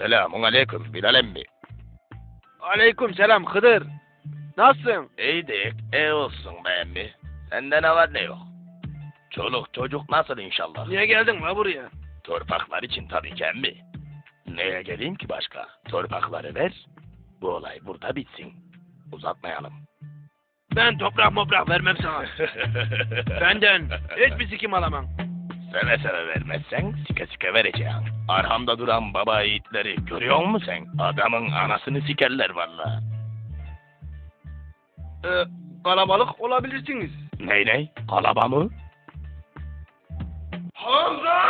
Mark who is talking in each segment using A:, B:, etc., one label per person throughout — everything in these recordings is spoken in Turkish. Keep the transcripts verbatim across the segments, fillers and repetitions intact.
A: Selamun aleyküm Bilal emmi.
B: Aleyküm selam Hıdır. Nasılsın?
A: İyidik, iyi olsun be emmi. Sende ne var ne yok? Çoluk çocuk nasıl inşallah?
B: Niye geldin la buraya?
A: Torpaklar için tabii ki emmi. Neye geleyim ki başka? Torpakları ver, bu olay burada bitsin. Uzatmayalım.
B: Ben toprak moprak vermem sana. Benden hiçbir sikim alamam.
A: Seve seve vermezsen sike sike vereceğim. Arhamda duran baba yiğitleri görüyor musun sen? Adamın anasını sikerler valla.
B: Ee, kalabalık olabilirsiniz.
A: Ney ney? Kalaba mı?
B: Hamza!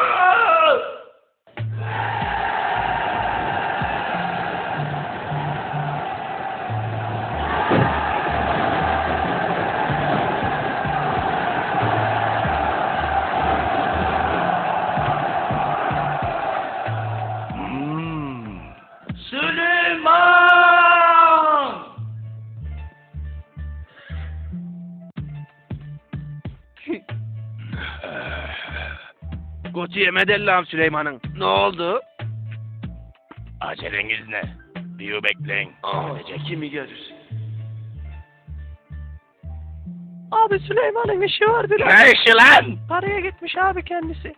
A: Hmm.
B: Süleyman! Koçu yemedi Allah'ım Süleyman'ın. Ne oldu?
A: Aceleniz ne? Bir bekleyin.
B: Sadece kimi görür?
C: Abi Süleyman'ın işi var biraz.
A: Ne işi lan?
C: Paraya gitmiş abi kendisi.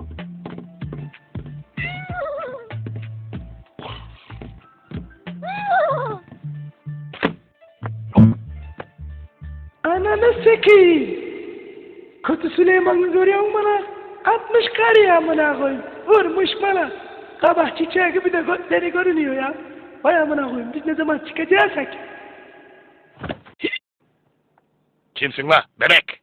C: Ananı sikeyim. Kötü Süleyman'ı görüyor musun bana? Atmış kar ya amına koyayım. Vurmuş bana. Kabak çiçeği gibi de götleri görünüyor ya. Vay amına koyayım, biz ne zaman çıkacaksak.
A: Kimsin la bebek?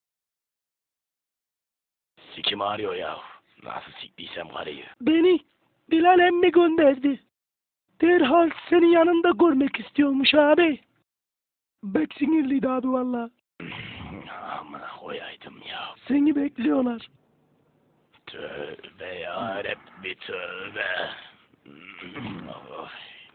A: Sikim ağrıyor ya. Nasıl siktiysem karıyı.
C: Beni Bilal emmi gönderdi. Derhal senin yanında görmek istiyormuş abi. Bek sinirliydi abi valla.
A: Amına koyaydım ya.
C: Seni bekliyorlar.
A: Tövbe yarabbi tövbe. Oy.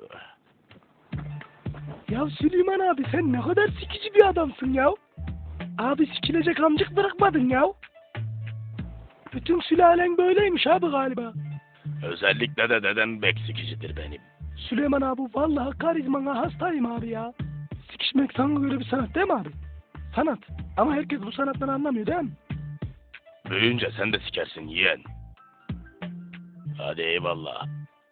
C: Ya Süleyman abi sen ne kadar sikici bir adamsın ya. Abi sikilecek amcık bırakmadın ya. Bütün sülalen böyleymiş abi galiba.
A: Özellikle de dedem bek sikicidir benim.
C: Süleyman abi vallahi karizmana hastayım abi ya. Sikişmek sana göre bir sanat değil mi abi? Sanat. Ama herkes bu sanattan anlamıyor değil mi?
A: Büyüyünce sen de sikersin yeğen. Hadi eyvallah.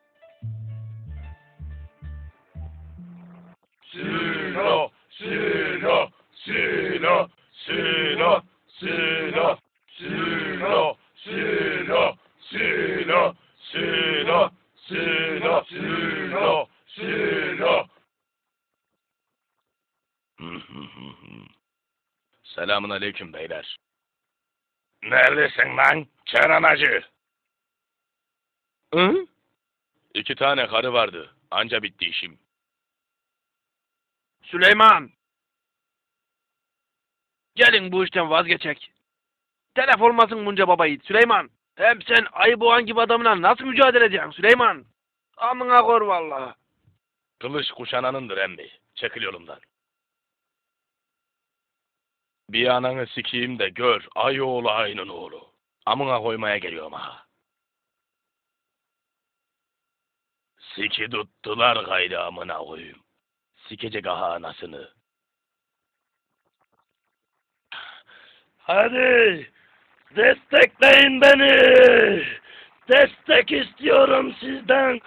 A: Sülo, sülo, sülo, sülo, sülo, sülo, sülo, sülo, sülo, sülo, sülo, sülo. Selamun aleyküm beyler. Neredesin lan Kenan Hacı?
C: Hı?
A: İki tane karı vardı. Anca bitti işim.
B: Süleyman! Gelin bu işten vazgeçek. Telef olmasın bunca baba yiğit Süleyman. Hem sen ayı boğan gibi adamla nasıl mücadele edeceksin Süleyman? Amına kor vallahi.
A: Kılıç kuşananındır emmi. Çekil yolumdan. Bir ananı sikeyim de gör. Ay oğlu ayının oğlu. Amına koymaya geliyorum ha. Siki tuttular gayrı amına koyayım. Sikecek aha anasını. Hadi destekleyin beni. Destek istiyorum sizden.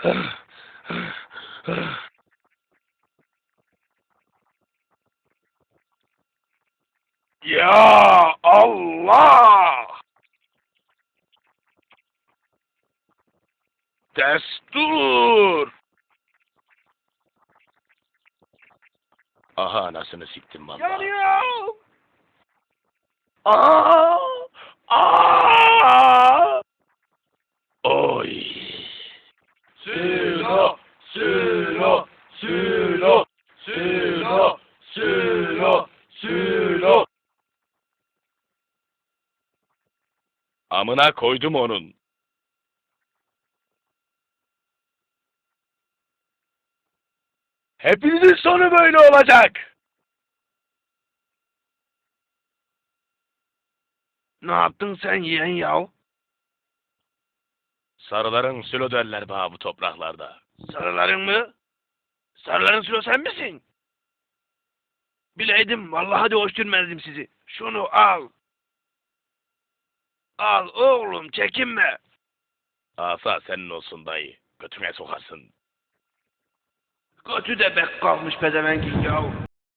A: Ya Allah! Destur! Aha anasını siktim vallahi.
B: Yanıyor!
A: Aa! Aa! Oy! Sülo! Sülo! Sülo! Sülo! Sülo! Sülo! Amına koydum onun. Hepinizin sonu böyle olacak.
B: Ne yaptın sen yeğen yav?
A: Sarıların sülo derler bana bu topraklarda.
B: Sarıların mı? Sarıların sülo sen misin? Bileydim vallahi de hoş görmezdim sizi. Şunu al. Al oğlum çekinme.
A: Asa senin olsun dayı. Götüne sokarsın.
B: Götü de bek kalmış pezevenkin yahu.